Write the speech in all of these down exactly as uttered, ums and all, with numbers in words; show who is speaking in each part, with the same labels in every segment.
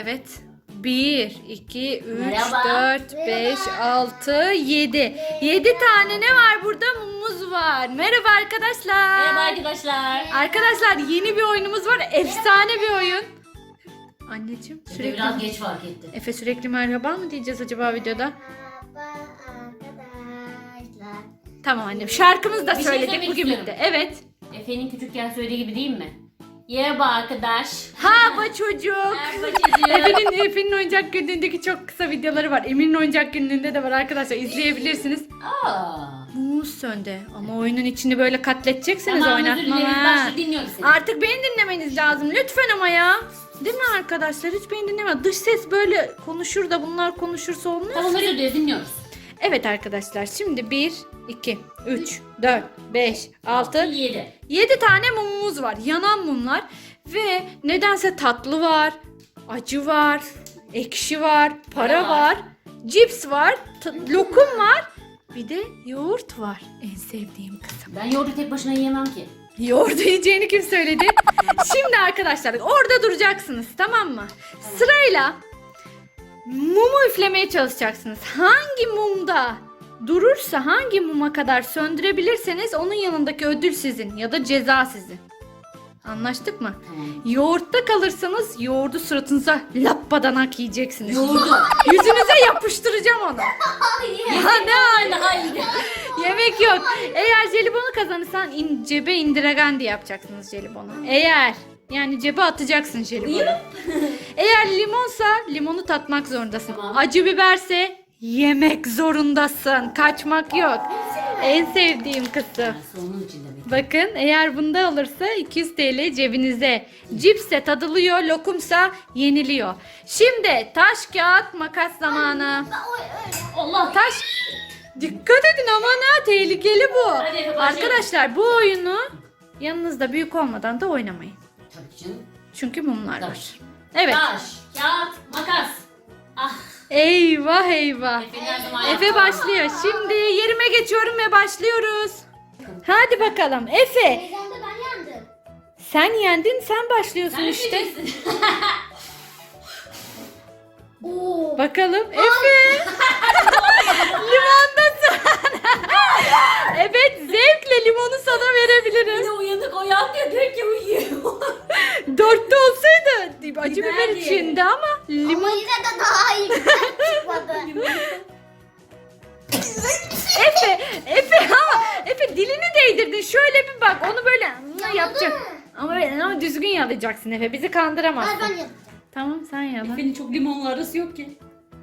Speaker 1: Evet. bir, iki, üç,
Speaker 2: Merhaba.
Speaker 1: dört, beş, altı, yedi. yedi tane ne var burada? Mumumuz var. Merhaba arkadaşlar.
Speaker 2: Merhaba arkadaşlar.
Speaker 1: Arkadaşlar yeni bir oyunumuz var. Efsane bir oyun. Anneciğim
Speaker 2: Sürekli
Speaker 1: sürekli...
Speaker 2: biraz geç fark ettim.
Speaker 1: Efe sürekli merhaba mı diyeceğiz acaba videoda?
Speaker 3: Merhaba arkadaşlar.
Speaker 1: Tamam annem. Şarkımızı da
Speaker 2: Bir şey
Speaker 1: söyledik
Speaker 2: söylemek
Speaker 1: bugün
Speaker 2: istiyorum.
Speaker 1: bitti. Evet.
Speaker 2: Efe'nin küçükken söylediği gibi değil mi? Merhaba arkadaş.
Speaker 1: Hava çocuk.
Speaker 2: Merhaba çocuğum.
Speaker 1: Efe'nin Efe'nin oyuncak günlüğündeki çok kısa videoları var. Emir'in oyuncak günlüğünde de var arkadaşlar. İzleyebilirsiniz.
Speaker 2: Aa.
Speaker 1: Mumumuz söndü. Ama oyunun içini böyle katleteceksiniz
Speaker 2: Tamam, özür
Speaker 1: oynatma.
Speaker 2: dileriz.
Speaker 1: ha.
Speaker 2: Başla, dinliyorum seni.
Speaker 1: Artık beni dinlemeniz lazım. Lütfen ama ya. Değil mi arkadaşlar? Hiç beni dinleme. Dış ses böyle konuşur da bunlar konuşursa olmaz
Speaker 2: Tamam,
Speaker 1: ki.
Speaker 2: özür dileriz, dinliyoruz.
Speaker 1: Evet arkadaşlar. Şimdi bir, iki, üç, dört, beş, altı,
Speaker 2: yedi.
Speaker 1: yedi tane mumumuz var. Yanan mumlar. Ve nedense tatlı var. Acı var. Ekşi var. Para
Speaker 2: var.
Speaker 1: var. Cips var. t- Lokum var. Bir de yoğurt var. En sevdiğim kısım.
Speaker 2: Ben yoğurdu tek başına yiyemem ki.
Speaker 1: Yoğurdu yiyeceğini kim söyledi? Şimdi arkadaşlar orada duracaksınız, tamam mı? Sırayla mumu üflemeye çalışacaksınız. Hangi mumda durursa, hangi muma kadar söndürebilirseniz onun yanındaki ödül sizin ya da ceza sizin. Anlaştık mı?
Speaker 2: Tamam.
Speaker 1: Yoğurtta kalırsanız yoğurdu suratınıza lappadanak yiyeceksiniz.
Speaker 2: Yoğurdu.
Speaker 1: Yüzünüze yapıştıracağım onu. Ya ne hali?
Speaker 2: Daha iyi.
Speaker 1: Yemek yok. Eğer jelibonu kazanırsan in, cebe indiregendi yapacaksınız jelibonu. Eğer yani cebe atacaksın jelibonu. Eğer limonsa limonu tatmak zorundasın.
Speaker 2: Tamam.
Speaker 1: Acı biberse yemek zorundasın. Kaçmak yok. En sevdiğim kısım.
Speaker 2: Sonun içinde mi?
Speaker 1: Bakın eğer bunda olursa iki yüz TL cebinize. Cipse tadılıyor, lokumsa yeniliyor. Şimdi taş kağıt makas zamanı.
Speaker 2: Allah.
Speaker 1: Taş. Dikkat edin aman ha, tehlikeli bu.
Speaker 2: Hadi Efe, başlayalım.
Speaker 1: Arkadaşlar bu oyunu yanınızda büyük olmadan da oynamayın.
Speaker 2: Tabii canım.
Speaker 1: Çünkü mumlar
Speaker 2: Taş.
Speaker 1: var. Evet.
Speaker 2: Taş, kağıt, makas. Ah.
Speaker 1: Eyvah eyvah.
Speaker 2: Efe'nin her zaman
Speaker 1: Efe
Speaker 2: yaptığı.
Speaker 1: başlıyor. Şimdi yerime geçiyorum ve başlıyoruz. Hadi bakalım. Efe
Speaker 3: Teyzemde ben yandım.
Speaker 1: sen yendin, sen başlıyorsun
Speaker 2: Sen
Speaker 1: işte.
Speaker 2: üfleyeceksin.
Speaker 3: Oo.
Speaker 1: Bakalım Efe. Limondasın. Evet, zevkle limonu sana
Speaker 2: Bir
Speaker 1: verebilirim.
Speaker 2: de uyanık o yandı direkt ki uyuyor.
Speaker 1: Dörtte olsaydı acı biber
Speaker 2: Biber
Speaker 1: içinde ama
Speaker 3: Ama
Speaker 1: limon.
Speaker 3: yine de daha iyi bir tat çıkmadı.
Speaker 1: Efe, Efe ama Efe dilini değdirdin. Şöyle bir bak, onu böyle
Speaker 3: Yaladı
Speaker 1: yapacak.
Speaker 3: mı?
Speaker 1: Ama böyle ama düzgün yalayacaksın Efe. Bizi kandıramazsın.
Speaker 3: Ver ben yapacağım.
Speaker 1: Tamam sen yala.
Speaker 2: Efe'nin çok limonla arası yok ki.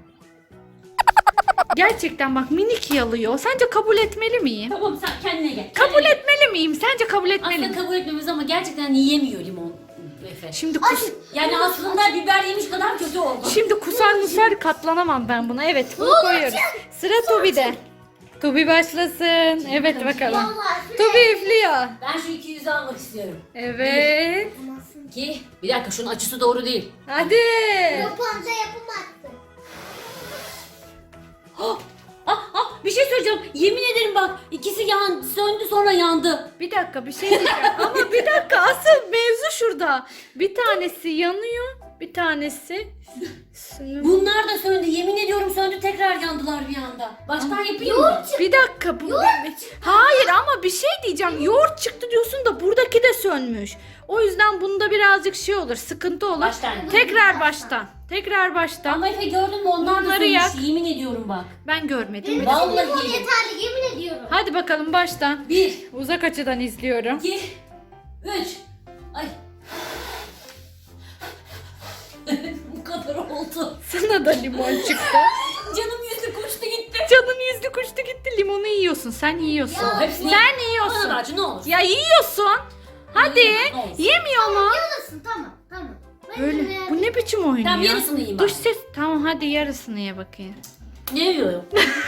Speaker 1: Gerçekten bak minik yalıyor. Sence kabul etmeli miyim?
Speaker 2: Tamam, sen kendine gel.
Speaker 1: Kabul
Speaker 2: Kendine gel.
Speaker 1: etmeli miyim? Sence kabul etmeli
Speaker 2: Aslında
Speaker 1: miyim?
Speaker 2: kabul etmemiz ama gerçekten yiyemiyor limon Efe.
Speaker 1: Şimdi kus
Speaker 2: Yani aslında biber yemiş kadar kötü oldu.
Speaker 1: Şimdi kusar musar katlanamam ben buna. Evet, bunu koyuyoruz. Sıra Tubi'de. Tubi başlasın. Evet bakalım.
Speaker 3: Vallahi
Speaker 1: Tubi üflüyor.
Speaker 2: Ben şu iki yüzü almak istiyorum.
Speaker 1: Evet.
Speaker 2: Ki bir dakika, şunun açısı doğru değil.
Speaker 1: Hadi.
Speaker 3: Yapanca yapamazsın.
Speaker 2: Ah, ah, ah, bir şey söyleyeceğim. Yemin ederim bak, ikisi yan, söndü sonra yandı.
Speaker 1: Bir dakika bir şey diyeceğim. Ama bir dakika, asıl mevzu şurada. Bir tanesi yanıyor, bir tanesi sönüyor.
Speaker 2: Bunlar da söndü. Yemin ediyorum söndü, tekrar yandılar bir anda. Baştan yapayım mı?
Speaker 1: Bir dakika bu. Hayır ama bir şey diyeceğim. Yoğurt çıktı diyorsun da buradaki de sönmüş. O yüzden bunda birazcık şey olur, sıkıntı olur.
Speaker 2: Baştan.
Speaker 1: Tekrar baştan. Tekrar baştan.
Speaker 2: Ama Efe gördün mü, onlar da
Speaker 1: Bunları
Speaker 2: sönmüş.
Speaker 1: yak.
Speaker 2: Yemin ediyorum bak.
Speaker 1: Ben görmedim.
Speaker 3: Benim
Speaker 2: Vallahi
Speaker 3: için limon
Speaker 2: yedim.
Speaker 3: yeterli yemin ediyorum.
Speaker 1: Hadi bakalım baştan.
Speaker 2: Bir,
Speaker 1: Uzak açıdan izliyorum.
Speaker 2: iki, üç. Ay. Bu kadar oldu.
Speaker 1: Sana da limon çıktı.
Speaker 2: Canım yüzü koştu gitti.
Speaker 1: Canın yüzlü kuştu gitti. Limonu yiyorsun. Sen yiyorsun.
Speaker 2: Ya, hepsini-
Speaker 1: Sen
Speaker 2: Bana
Speaker 1: yiyorsun.
Speaker 2: da acı, ne olur.
Speaker 1: Ya yiyorsun. Hadi.
Speaker 2: Yiyemem, ne olsun.
Speaker 1: Yemiyor mu?
Speaker 3: Yarısın tamam tamam. Ben
Speaker 1: Öyle.
Speaker 3: yine-
Speaker 1: Bu ne biçim oyun
Speaker 2: Tamam,
Speaker 1: ya?
Speaker 2: yarısını yiyeyim
Speaker 1: Dış
Speaker 2: ben.
Speaker 1: ses. Tamam hadi yarısını ye bakayım.
Speaker 2: Ne yiyorum?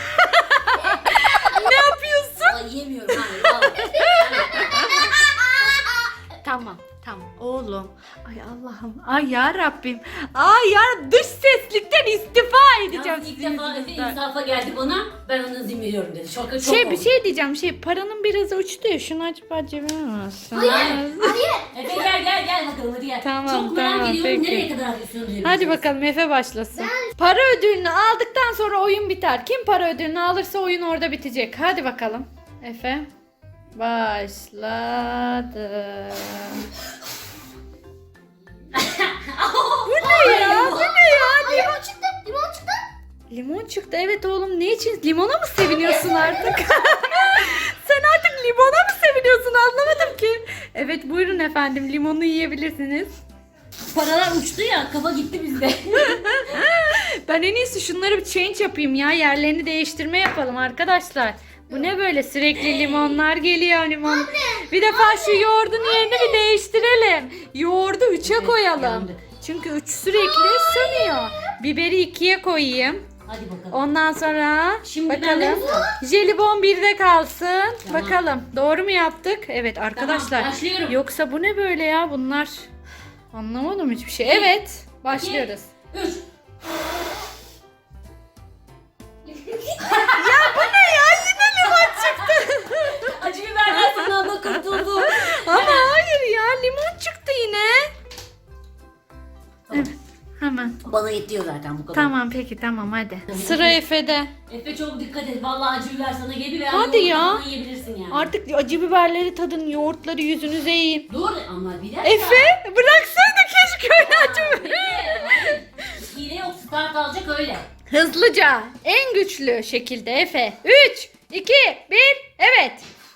Speaker 1: Ne yapıyorsun?
Speaker 2: Ay, yemiyorum. Hayır, vallahi.
Speaker 1: Tamam. Tamam oğlum. Ay Allah'ım. Ay ya Rabbim. Ay ya dış seslikten istifa edeceğim.
Speaker 2: Yalnız ilk
Speaker 1: sizin
Speaker 2: defa Efe
Speaker 1: yüzünüzden.
Speaker 2: insafa geldi bana. Ben onu izin veriyorum dedi. Şoka çok
Speaker 1: Şey
Speaker 2: oldu.
Speaker 1: bir şey diyeceğim. Şey paranın biraz uçtu ya. Şunu acaba cebime mi alsın?
Speaker 3: Hayır. Hayır.
Speaker 2: Efe gel gel gel bakalım, hadi gel.
Speaker 1: Tamam,
Speaker 2: Çok merak
Speaker 1: tamam,
Speaker 2: ediyorum
Speaker 1: peki.
Speaker 2: nereye kadar sürdürebiliriz.
Speaker 1: Hadi bakalım Efe başlasın. Para ödülünü aldıktan sonra oyun biter. Kim para ödülünü alırsa oyun orada bitecek. Hadi bakalım. Efe başladı. Bu ne ya? Bu ne ya?
Speaker 3: Limon çıktı. Limon çıktı.
Speaker 1: Limon çıktı. Evet oğlum, ne için? Limona mı seviniyorsun artık? Sen artık limona mı seviniyorsun? Anlamadım ki. Evet buyurun efendim, limonu yiyebilirsiniz.
Speaker 2: Paralar uçtu ya, kafa gitti bizde.
Speaker 1: Ben en iyisi şunları bir change yapayım ya. Yerlerini değiştirme yapalım arkadaşlar. Bu ne böyle, sürekli limonlar geliyor limon. Bir defa şu yoğurdun yerini bir değiştirelim. Yoğurdu üçe koyalım.
Speaker 2: yandık.
Speaker 1: Çünkü üç sürekli sönüyor. Biberi ikiye koyayım.
Speaker 2: Hadi bakalım.
Speaker 1: Ondan sonra
Speaker 2: Şimdi bende mi
Speaker 1: bakalım.
Speaker 2: sıra?
Speaker 1: Jelibon birde kalsın.
Speaker 2: Tamam.
Speaker 1: Bakalım doğru mu yaptık? Evet arkadaşlar.
Speaker 2: Tamam, başlıyorum.
Speaker 1: Yoksa bu ne böyle ya bunlar? Anlamadım hiçbir şey. Evet başlıyoruz.
Speaker 2: Üç.
Speaker 1: Ya bu ne ya? Yine limon çıktı.
Speaker 2: Acı biberden sınavda kurtuldum.
Speaker 1: Ama hayır ya, limon çıktı yine.
Speaker 2: Tamam.
Speaker 1: Evet, hemen.
Speaker 2: Bana yetiyor zaten bu kadar.
Speaker 1: Tamam peki tamam hadi. Sıra Efe'de.
Speaker 2: Efe çok dikkat et. Vallahi acı biber sana geliyor. veya
Speaker 1: Hadi
Speaker 2: yoğurt
Speaker 1: ya.
Speaker 2: falan yiyebilirsin yani.
Speaker 1: Artık acı biberleri tadın, yoğurtları yüzünüze yiyin.
Speaker 2: Dur ama bir dakika.
Speaker 1: Efe bıraksaydı keşke öyle acı biber.
Speaker 2: Hayır. Hile yok. Start alacak öyle.
Speaker 1: Hızlıca, en güçlü şekilde Efe. üç, iki, bir, evet.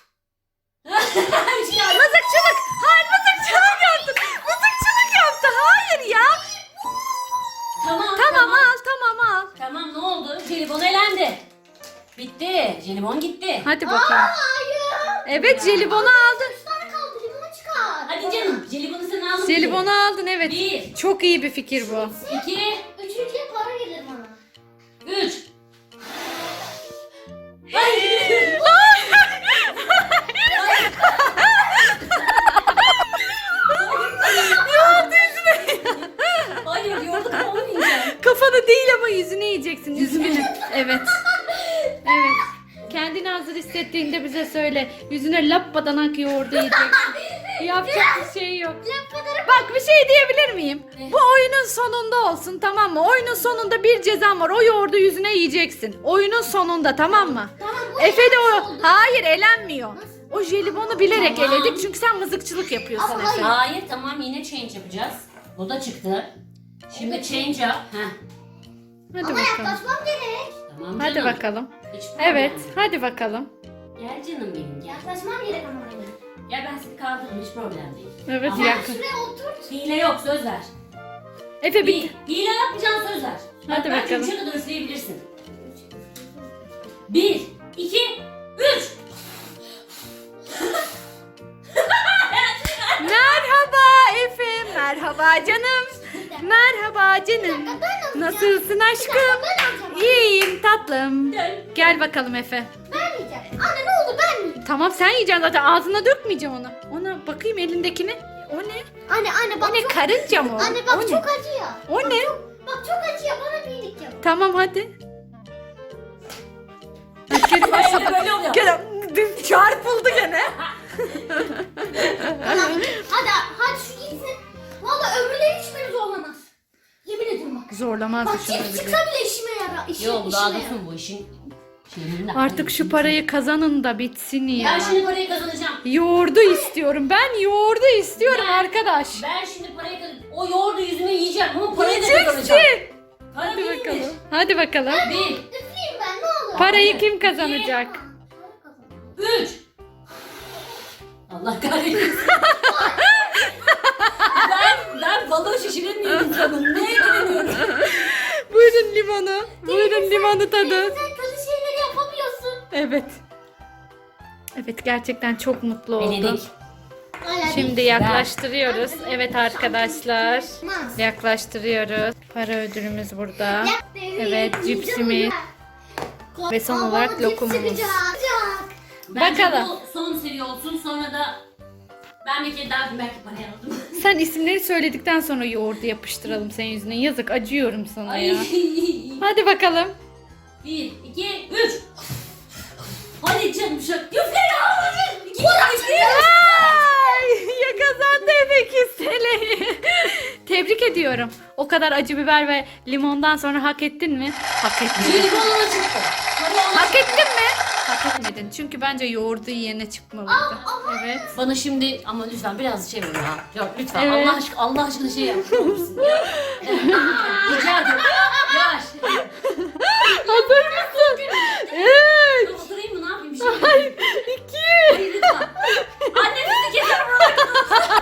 Speaker 1: Mızıkçılık. Hayır mızıkçılık yaptın. Mızıkçılık yaptı. Hayır ya.
Speaker 2: Tamam.
Speaker 1: Tamam al tamam al.
Speaker 2: Tamam ne oldu? Jelibon elendi. Bitti. Jelibon gitti.
Speaker 1: Hadi bakalım.
Speaker 3: Hayır.
Speaker 1: Evet jelibonu aldın.
Speaker 3: Üç tane kaldı. Limonu çıkar.
Speaker 2: Hadi canım. Jelibonu sen aldın.
Speaker 1: Jelibonu aldın evet.
Speaker 2: Bir.
Speaker 1: Çok iyi bir fikir bu.
Speaker 2: İki.
Speaker 3: Üçüncüye para gelir bana.
Speaker 2: Üç. Hayır. Hayır yoğurdu olmayacak.
Speaker 1: Kafanı değil ama yüzünü yiyeceksin. Üzgünüm. Evet. Evet. Kendini hazır hissettiğinde bize söyle. Yüzüne lap badanak yoğurdu yiyeceksin. Yapacak bir şey yok. Bak bir şey diyebilir miyim?
Speaker 2: Ne?
Speaker 1: Bu oyunun sonunda olsun tamam mı? Oyunun sonunda bir cezam var. O yoğurdu yüzüne yiyeceksin. Oyunun sonunda tamam mı?
Speaker 3: Tamam bu
Speaker 1: Efe de o...
Speaker 3: oldu.
Speaker 1: Hayır elenmiyor.
Speaker 3: Nasıl?
Speaker 1: O jelibonu bilerek
Speaker 2: Tamam.
Speaker 1: eledik çünkü sen mızıkçılık yapıyorsun
Speaker 3: Ama
Speaker 1: Efe.
Speaker 2: Hayır tamam yine change yapacağız. Bu da çıktı. Şimdi change yap. Heh.
Speaker 1: Hadi
Speaker 3: Ama
Speaker 1: bakalım.
Speaker 3: yaklaşmam gerek.
Speaker 2: Tamam
Speaker 1: Hadi
Speaker 2: canım.
Speaker 1: bakalım.
Speaker 2: Hiç problem
Speaker 1: Evet,
Speaker 2: yok.
Speaker 1: hadi bakalım.
Speaker 2: Gel canım benim gel.
Speaker 3: Yaklaşmam gerek ama oraya.
Speaker 2: Gel ben seni kaldırırım hiç problem değil.
Speaker 1: Evet
Speaker 2: Ama-
Speaker 1: yakın.
Speaker 3: Şuraya oturt.
Speaker 2: Hile yok söz ver.
Speaker 1: Efe
Speaker 2: Bir,
Speaker 1: bit.
Speaker 2: hile yapmayacaksın söz ver.
Speaker 1: Hadi
Speaker 2: Bak,
Speaker 1: bakalım.
Speaker 2: Bence üçe kadar üfleyebilirsin. Bir, iki, üç.
Speaker 1: Merhaba Efe, merhaba canım. Merhaba canım. Nasılsın aşkım?
Speaker 3: Ben alacağım.
Speaker 1: İyiyim tatlım.
Speaker 2: Gel.
Speaker 1: Gel bakalım Efe.
Speaker 3: Ben yiyeceğim. Anne ne oldu ben yiyeceğim.
Speaker 1: Tamam sen yiyeceksin zaten, ağzına dökmeyeceğim onu. Ona bakayım elindekini. O ne?
Speaker 3: Anne anne bak
Speaker 1: O ne,
Speaker 3: çok...
Speaker 1: karınca mı o?
Speaker 3: Anne bak
Speaker 1: o ne?
Speaker 3: çok acıyor.
Speaker 1: O
Speaker 3: Bak
Speaker 1: ne?
Speaker 3: Çok, bak çok acıyor bana bir iyilik yap.
Speaker 1: Tamam hadi. Geri
Speaker 2: Böyle
Speaker 1: başladı.
Speaker 2: böyle oluyor.
Speaker 1: Gene çarpıldı gene.
Speaker 3: Tamam. hadi hadi şu gitsin. Valla ömrüne hiçbiri zorlamaz. Yemin ederim bak.
Speaker 1: Zorlamaz
Speaker 3: Bak
Speaker 1: şunu
Speaker 3: cips
Speaker 1: bile.
Speaker 3: çıksa bile işime yarar. İşim,
Speaker 2: Yok daha
Speaker 3: işime yarar.
Speaker 2: dursun bu işin. şeyinde.
Speaker 1: Artık şu parayı kazanın da bitsin ya.
Speaker 2: Ben şimdi parayı kazanacağım.
Speaker 1: Yoğurdu istiyorum. Ben yoğurdu istiyorum
Speaker 2: Ben-
Speaker 1: arkadaş.
Speaker 2: Ben şimdi parayı kazanacağım. O yoğurdu yüzüme yiyeceğim ama parayı da kazanacağım.
Speaker 1: Yiyeceksin.
Speaker 2: Para
Speaker 1: Hadi
Speaker 2: değildir.
Speaker 1: bakalım. Hadi bakalım.
Speaker 2: Bir,
Speaker 3: Üfleyeyim ben ne olur.
Speaker 1: Parayı kim kazanacak?
Speaker 2: üç. Allah kahretsin. ben, ben balığı şişiremiyorum insanım. Neye güveniyorum?
Speaker 1: Buyurun limonu. Buyurun limonu tadı.
Speaker 3: Sen kötü şeyleri yapamıyorsun.
Speaker 1: Evet. Evet gerçekten çok mutlu oldum.
Speaker 2: Denedik.
Speaker 3: Hala
Speaker 1: Şimdi
Speaker 3: değil.
Speaker 1: yaklaştırıyoruz. Evet arkadaşlar.
Speaker 3: Olmaz.
Speaker 1: Yaklaştırıyoruz. Para ödülümüz burada.
Speaker 3: Yap,
Speaker 1: Evet,
Speaker 3: yiyeceğim
Speaker 1: cipsimiz.
Speaker 3: ya.
Speaker 1: Ve son
Speaker 3: Aa,
Speaker 1: olarak
Speaker 3: bana cips
Speaker 1: lokumumuz.
Speaker 3: çıkacak. Çıkacak.
Speaker 2: Bence
Speaker 1: Bakalım.
Speaker 2: bu son seri olsun sonra da ben bir kere daha belki parayı aldım.
Speaker 1: Sen isimleri söyledikten sonra yoğurdu yapıştıralım senin yüzüne. Yazık acıyorum sana
Speaker 2: Ay.
Speaker 1: ya. Hadi bakalım.
Speaker 2: Bir, iki, üç. Hadi canım şu. Üfle ya. İki, üç,
Speaker 1: Ay, ya kazandı Efe iki T L'yi. ediyorum. O kadar acı biber ve limondan sonra hak ettin mi? Hak ettin.
Speaker 2: Jelibon ona çıktı. Hadi ona
Speaker 1: Hak
Speaker 2: çıktı.
Speaker 1: ettin mi? Hak etmedin. Çünkü bence yoğurdu yiyene çıkmalıydı. Evet.
Speaker 2: Bana şimdi ama lütfen biraz şey ver ya. Yok lütfen
Speaker 1: Evet.
Speaker 2: Allah aşkına Allah aşkına şey yap. Ne olursun ya. Evet, rica ederim. Yavaş.
Speaker 1: Hazır mısın? Üç.
Speaker 2: Dur, oturayım mı ne yapayım bir şey?
Speaker 1: Hayır. İki.
Speaker 2: Hayır lütfen. Anne sizi keser buradan.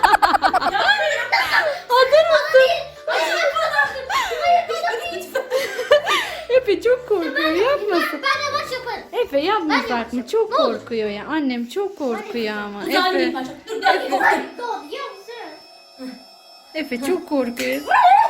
Speaker 1: Hazır mısın?
Speaker 3: Hayır bana değil.
Speaker 1: Efe çok korkuyor. Yapmasın.
Speaker 3: Ben yavaş yaparım.
Speaker 1: Efe yapmasak mı? Çok
Speaker 3: Ne olur.
Speaker 1: korkuyor ya. Annem çok korkuyor ama.
Speaker 2: Güzel bir
Speaker 1: Efe,
Speaker 2: başla. Dur gel gel.
Speaker 3: Doğru yapsın.
Speaker 1: Efe çok korkuyor.